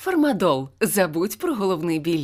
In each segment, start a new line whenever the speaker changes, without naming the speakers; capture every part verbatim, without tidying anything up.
Фармадол. Забудь про головний біль.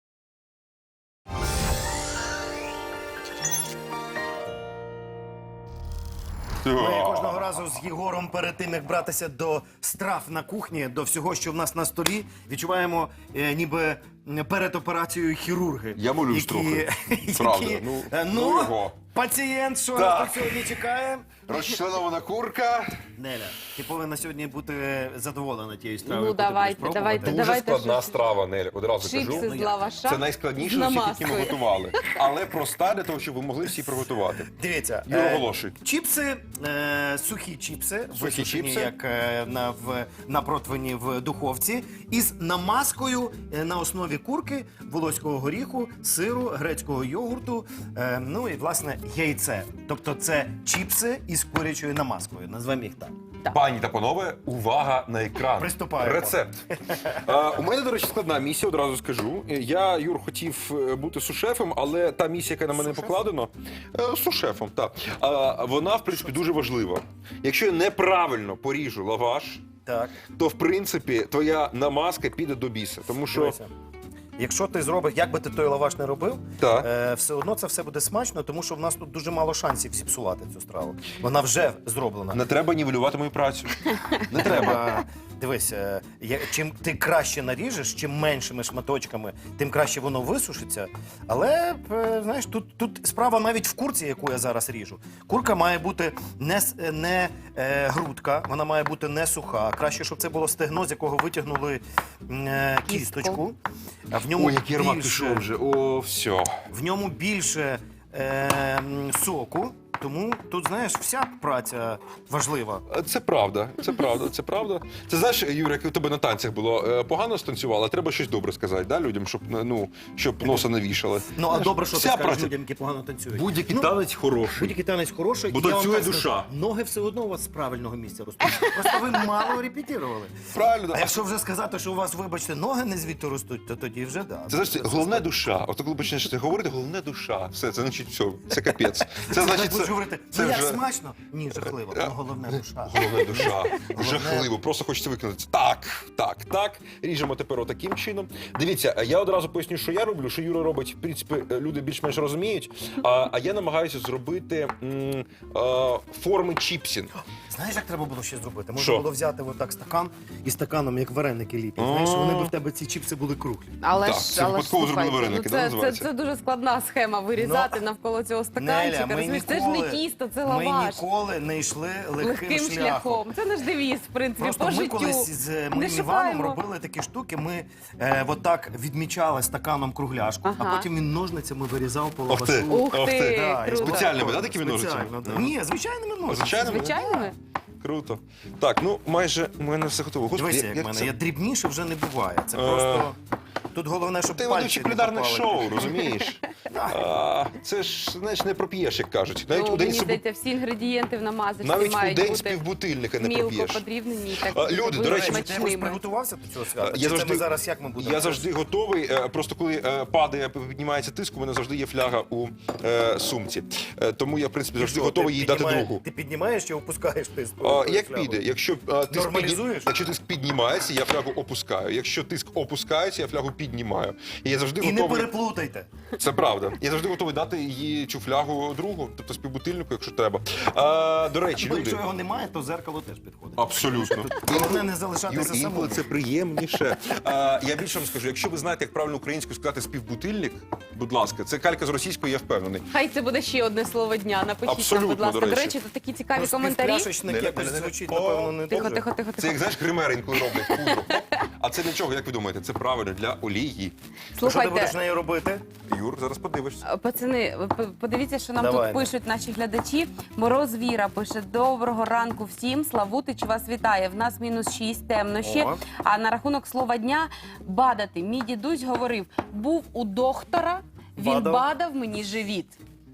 Ми кожного разу з Єгором перед тим, як братися до страв на кухні, до всього, що в нас на столі, відчуваємо е, ніби перед операцією хірурги.
Я молюсь
які,
трохи.
які,
Правда. Ну,
е,
ну
ну,
його.
пацієнт, що
Так.
нас тут сьогодні чекає?
Розчленована курка.
Неля, ти повинна сьогодні бути задоволена тією стравою.
Ну,
яку ти будеш
давайте,
пробувати.
давайте,
Дуже
давайте
складна
щось.
страва, Нель, одразу
Чипси
кажу.
з лаваша.
Це найскладніше
з
з усіх, які
намазкою.
ми готували. Але проста для того, щоб ви могли всі приготувати.
Дивіться,
Юра,
е,
оголошуй.
чіпси, е, сухі чіпси,
Сухі
висушені,
чіпси.
як е, на, в, на противні в духовці, із намазкою е, на основі курки, волоського горіху, сиру, грецького йогурту, е, ну і, власне, яйце. Тобто це чіпси із курячою намазкою, назвемо їх так.
Пані та панове, увага на екран.
Приступаємо.
Рецепт. А, у мене, до речі, складна місія, одразу скажу. Я, Юр, хотів е, бути сушефом, але та місія, яка на мене
Сушефом?
покладена, е, сушефом, так. А, вона, в принципі, дуже важлива. Якщо я неправильно поріжу лаваш,
Так.
то, в принципі, твоя намазка піде до біса. Тому що...
Дивися. Якщо ти зробиш, як би ти той лаваш не робив,
Так.
е, все одно це все буде смачно, тому що в нас тут дуже мало шансів зіпсувати цю страву. Вона вже зроблена.
Не треба нівелювати мою працю. Не треба.
Е, Дивись, е, я- чим ти краще наріжеш, чим меншими шматочками, тим краще воно висушиться. Але, е, знаєш, тут, тут справа навіть в курці, яку я зараз ріжу. Курка має бути не, с- е, не е, грудка, вона має бути не суха. Краще, щоб це було стегно, з якого витягнули м, е, кісточку. А в ньому
Ой, який аромат
більше,
пішов вже. О, все.
в ньому більше е, м, соку. Тому тут, знаєш, вся праця важлива.
Це правда, це правда, це правда. Це знаєш, Юра, як у тебе на танцях було е, погано станцювала, треба щось добре сказати, да, людям, щоб ну щоб носа не вішали.
Ну, а
Знаєш,
добре, що ти
вся
скажеш
праця.
людям, які погано танцюють.
Будь-який
Ну,
танець хороший.
Будь-який танець хороший.
Бо
і я вам
танцює
так скажу,
душа.
Ноги все одно у вас з правильного місця ростуть. Просто ви мало репетирували.
Правильно.
А якщо вже сказати, що у вас, вибачте, ноги не звідти ростуть, то тоді вже да.
Це значить, головне душа. От коли почнеш це говорити, головне душа. Все, це значить все, це капець. Це значить,
Будеш
це,
говорити,
це
ну як
вже
смачно? Ні, жахливо. Ну, головне душа.
головне душа. Жахливо, просто хочеться виконати. Так, так, так. Ріжемо тепер отаким чином. Дивіться, я одразу поясню, що я роблю, що Юра робить, в принципі, люди більш-менш розуміють. А, а я намагаюся зробити м, а, форми чіпсів.
Знаєш, як треба було ще зробити? Можна
Що?
було взяти отак стакан і стаканом, як вареники ліплять. Знаєш, вони б в тебе ці чіпси були круглі.
Але
Так,
ж,
це
але ж,
випадково зробили
слухайте,
вареники,
ну,
да,
це, це,
називається?
це дуже складна схема вирізати
Ну,
навколо цього
Неля,
стаканчика.
ми
Розумієш, це ж
ніколи,
не тісто, це
ми
лаваш.
ніколи не йшли легким,
Легким шляхом. Це наш девіз, в принципі,
Просто
по
ми
життю.
колись з
Не
моїм Іваном
шукаємо.
робили такі штуки. Ми е, отак відмічали стаканом кругляшку, а
Ага.
потім він ножницями вирізав по
Ох ти.
лавашу.
Ух
Ох
ти,
ти.
Да, і
круто.
Спеціальними, да, такими
Спеціально,
ножицями?
да. Ні, звичайними ножицями.
Звичайними?
Звичайними?
Круто. Так, ну майже у мене все готово. Господи,
Дивися, як в мене.
це?
Я дрібніше вже не буває. Це
Е,
просто... Тут головне, щоб
Ти
пальці
ведучий
не
кулінарних
попали.
шоу, розумієш? А, це ж, знаєш, не проп'єш, як кажуть. Навіть
Ну,
у день
мені
собі-
здається, всі інгредієнти в намазочці
навіть у
мають
день з
бути
півбутильника не
мілко
проп'єш.
подрібнені і так
А, люди,
бути
до речі,
Ти якось
смачними.
приготувався до цього свята?
Я
Чи це
завжди,
ми зараз як ми будемо?
я завжди готовий. е, Просто коли е, падає, піднімається тиск, у мене завжди є фляга у е, сумці. Е, Тому я, в принципі, завжди
Що,
готовий
ти
їй дати
піднімаєш-
другу.
Ти піднімаєш чи опускаєш тиск?
А, як піде? Якщо, а, тиск
Нормалізуєш?
підні- якщо тиск піднімається, я флягу опускаю. Якщо тиск опускається, я флягу піднімаю. І я завжди
І не
готовий.
переплутайте.
Це правда. Я завжди готовий дати її цю флягу другу, тобто співбутильнику, якщо треба. А, до речі,
Бо
люди.
якщо його немає, то зеркало теж підходить.
Абсолютно.
Головне не залишатися
Юр,
самому.
інколи це приємніше. А, я більше вам скажу, якщо ви знаєте, як правильно українською сказати співбутильник, будь ласка, це калька з російської, я впевнений.
Хай це буде ще одне слово дня. Напишіть
Абсолютно,
нам, будь ласка.
до
До
речі.
речі, тут такі цікаві
Ну,
коментарі.
співпляшечник
Не-не,
якось
не-не.
звучить,
О,
напевно, не
Тихо,
дуже.
тихо, тихо,
Це як,
тихо.
знаєш, гримери інколи роблять пудру. А це для чого, як ви думаєте? Це правильно, для олії.
Що ти будеш
Слухайте,
нею робити?
Юр, зараз подивишся.
пацани, ви п- подивіться, що нам
Давай.
тут пишуть наші глядачі. Мороз Віра пише: доброго ранку всім. Славутич вас вітає. В нас мінус шість, темно ще.
О.
А на рахунок слова дня бадати. Мій дідусь говорив: був у доктора, він
Бадав?
бадав мені живіт.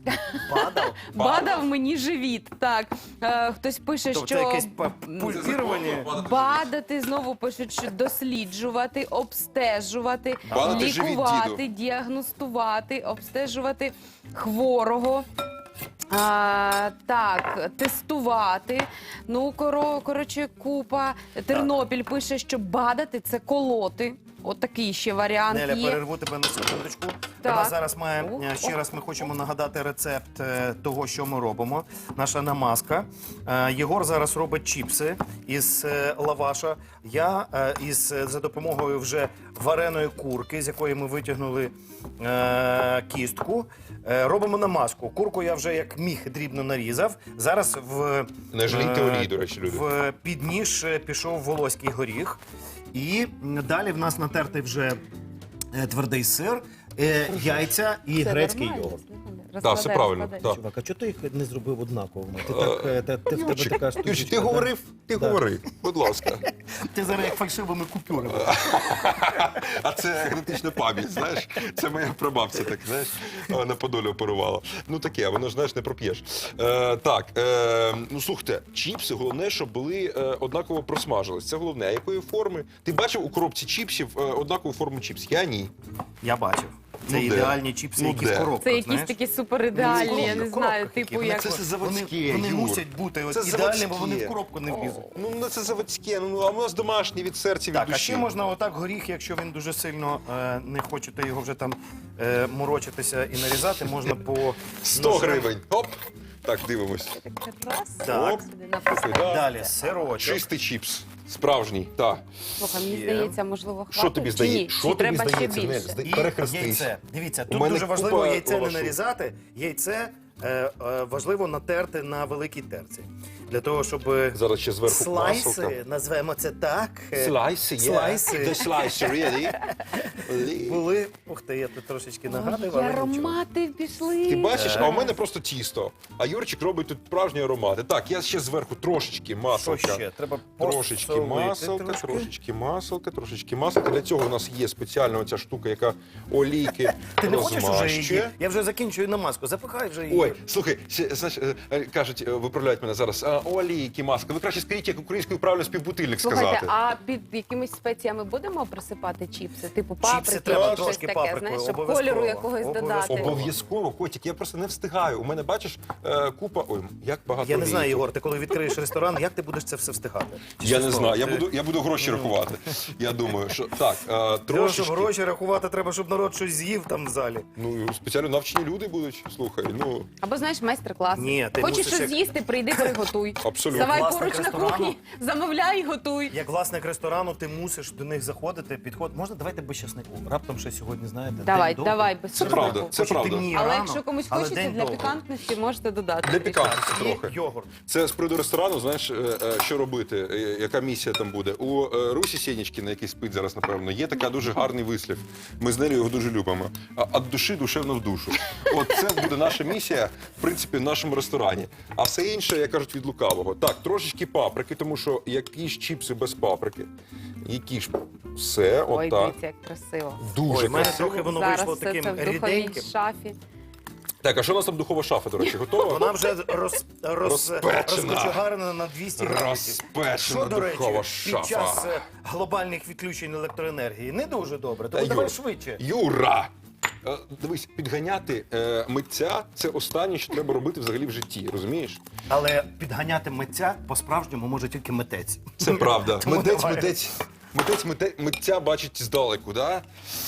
Падав?
Бадав мені живіт. Так, е, хтось пише,
Тобто
що
це якесь па- пульсірування?
бадати, знову пишуть, що досліджувати, обстежувати,
Бадати живіт,
лікувати,
діду.
діагностувати, обстежувати хворого. А, так, тестувати. Ну, коро, коротше, купа. Тернопіль пише, що бадати це колоти. От такий ще варіант
Неля,
є.
перерву тебе на секундочку.
Так.
У нас зараз має
О,
е, ще
о.
раз. Ми хочемо нагадати рецепт е, того, що ми робимо. Наша намазка. Е, Єгор зараз робить чіпси із е, лаваша. Я е, із е, за допомогою вже вареної курки, з якої ми витягнули е, кістку. е, Робимо намазку. Курку я вже як міг дрібно нарізав. Зараз в
Не жалійте
е,
олії, до речі, люди.
в підніж е, пішов волоський горіх. І далі в нас натертий вже е, твердий сир, е, яйця і
Це
грецький
нормально,
йогурт.
слухай,
Так, все
розкладай,
правильно.
розкладай.
Так.
Чувак, а чого ти їх не зробив однаковими? Ти так, е, та- ти в тебе
Юрчик,
така
Юрчик,
штучка.
ти
да?
говорив, ти
Да.
говори, будь ласка.
Ти зараз як фальшивими купюрами.
А це генетична пам'ять, знаєш? Це моя прабабця, так, знаєш, е, на Подолі оперувала. Ну таке, воно ж, знаєш, не проп'єш. Е, так, е, ну слухайте, чіпси, головне, щоб були е, однаково просмажились. Це головне. А якої форми? Ти бачив у коробці чіпсів е, однакову форму чіпсів? Я ні.
Я бачив. Це
Ну, де?
ідеальні чіпси,
Ну,
які
де?
в коробках,
Це якісь
знаєш?
такі супер ідеальні,
Ну,
я не
в
знаю,
коробках які.
типу
Вони
як.
це
Це
Вони,
заводське,
вони
Юр.
мусять бути от
Це
ідеальні, бо вони
заводське.
в коробку не влізуть.
Ну, ну це заводське, ну а у нас домашнє від серця, від
Так, а
душі.
ще можна отак горіх, якщо він дуже сильно е, не хочете його вже там е, морочитися і нарізати, можна по
сто
ножем.
гривень. Оп! Так, дивимось.
Раз,
Так.
сюди написано.
Да.
Далі сирочок.
Чистий чіпс. Справжній, так.
Слухай, мені
Є.
здається, можливо, хватить.
Що тобі
Чи
здається?
ні?
Що
Чи
тобі
треба ще
здається?
більше?
Нель, зда-
І
Перехрестись.
яйце. Дивіться,
У
тут
мене
дуже важливо
купа
яйце не
лавашу.
нарізати. Яйце е, е, важливо натерти на великій терці. Для того, щоб
Зараз ще зверху
слайси,
маселка.
назвемо це так, е,
Слайси, є.
слайси.
The slice, really? Really?
були. Ух ти, я тут трошечки нагадую,
Ой,
але нічого.
аромати пішли.
Ти бачиш, а у мене просто тісто. А Юрчик робить тут справжні аромати. Так, я ще зверху трошечки
Що
маселка.
ще? Треба
Трошечки
посолити
маселка,
трошки.
трошечки маселка, трошечки маселка. Для цього у нас є спеціальна оця штука, яка олійки
Ти не хочеш уже її?
розмащує.
Я вже закінчую намазку. Запихай вже її.
Ой, слухай, ще, знаєш, е, е, кажуть, е, виправляють мене зараз. А, олійки, маска. Ви краще скажіть, як українською правильно співбутильник
Слухайте,
сказати.
а під якимись спеціями будемо присипати чіпси? Типу паприки,
Чіпси треба
або щось
трошки
таке,
паприкою,
знаєш, щоб
обов'язково.
кольору якогось
Обов'язково.
додати.
Обов'язково, котик, я просто не встигаю. У мене, бачиш, е, купа. Ой, як багато.
Я не
олійки.
знаю, Єгор, ти коли відкриєш ресторан, як ти будеш це все встигати? Чи
Я
що
не
з
знаю.
того?
Я
Ти-
буду, я буду гроші рахувати. Я думаю, що так, е,
Для того, щоб
трошечки.
гроші рахувати, треба, щоб народ щось з'їв там в залі.
Ну, спеціально навчені люди будуть. Слухай, ну
Або знаєш, майстер-клас.
Ні, ти
Хочеш
мусиш
щось
як-
з'їсти, прийди, приготуй.
Абсолютно.
Давай
Власник
поруч на
ресторану.
кухні, замовляй і готуй.
Як власник ресторану, ти мусиш до них заходити, підход. Можна давайте без часнику. Раптом ще сьогодні, знаєте,
Давай,
день довгий.
давай, без
Це
часнику.
правда, це
Хоч і
правда.
темніє
Але
рано,
якщо комусь
але
хочеться
день
для
довгий.
пікантності, можете додати.
Для
трішки.
пікантності
І
трохи.
йогурт.
Це з приводу ресторану, знаєш, е, е, що робити, е, яка місія там буде. У е, Русі Сєнічкіна, який спить зараз, напевно, є така дуже гарний вислів. Ми з нею його дуже любимо. А від душі душевно в душу. От це буде наша місія, в принципі, в нашому ресторані. А все інше, як кажуть, від лукавого. Так, трошечки паприки, тому що які ж чіпси без паприки. Які ж все,
Ой,
отак.
дивіться, як красиво.
Дуже
Ой, в мене
красиво.
трохи воно
Зараз
вийшло
все
таким
це в духовій
ріденьким.
шафі.
Так, а що у нас там духова шафа, до речі, готова?
Вона вже роз, роз,
Розпечена.
розкочегарена на двісті градусів.
Розпечена
Що, до речі,
духова
під
шафа.
час е, глобальних відключень електроенергії не дуже добре. Тому
Та,
давай
Юр,
швидше.
Юра! Е, Дивись, підганяти е, митця це останнє, що треба робити взагалі в житті, розумієш?
Але підганяти митця по-справжньому може тільки митець.
Це правда.
Тому
Митець,
давай.
митець, митець, митець, митця бачить здалеку, да?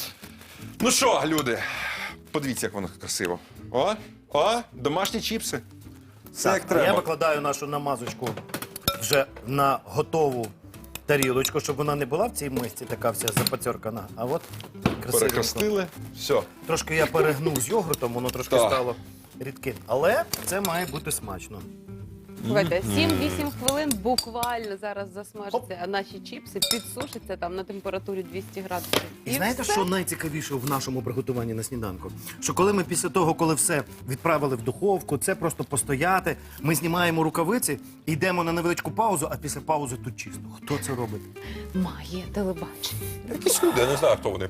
Ну що, люди, подивіться, як воно красиво. О, о, домашні чіпси. Все як
Так, а я
треба.
викладаю нашу намазочку вже на готову тарілочку, щоб вона не була в цій мисці така вся запацьоркана. А от красивенько.
Перехрестили. Все.
Трошки я перегнув з йогуртом, воно трошки
Так.
стало рідким. Але це має бути смачно.
Слухайте, сім-вісім хвилин буквально зараз засмажаться, а наші чіпси підсушаться там на температурі двісті градусів.
І знаєте,
все.
що найцікавіше в нашому приготуванні на сніданку? Що коли ми після того, коли все відправили в духовку, це просто постояти, ми знімаємо рукавиці, йдемо на невеличку паузу, а після паузи тут чисто. Хто це робить?
Має телебачення.
Якісь люди, я не знаю, хто вони.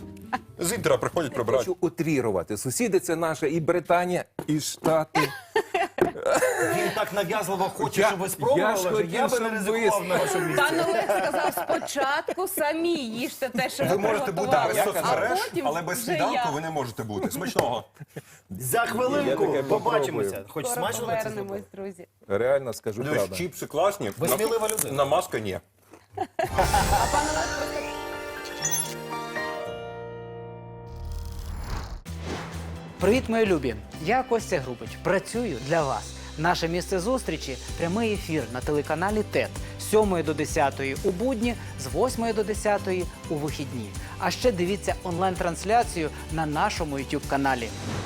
З інтера приходять, прибирають.
Хочу утрірувати. Сусіди це наша і Британія, і Штати.
Він так нав'язливо хоче,
Я-
щоб ви
я ж
спробували, що
хотів,
я би не
щоб
ризикував
ви-
на вашому місці.
Пан Олег сказав, спочатку самі їжте те, що ви
Ви можете бути
приготували,
без
а
соцмереж,
потім
але без
вже
сніданку
я.
ви не можете бути. Смачного.
За
Я
хвилинку
таке
побачимося.
попробую.
Хоч
Скоро
смачно на це
повернемось,
зробити?
друзі.
Реально скажу
Дивись,
правду.
чіпси класні.
Ви
на-
смілива людина.
Намазка ні.
А пан Олег просто
Привіт, мої любі! Я Костя Грубич. Працюю для вас. Наше місце зустрічі – прямий ефір на телеканалі ТЕТ з сьомої до десятої у будні, з восьмої до десятої у вихідні. А ще дивіться онлайн-трансляцію на нашому ютуб каналі.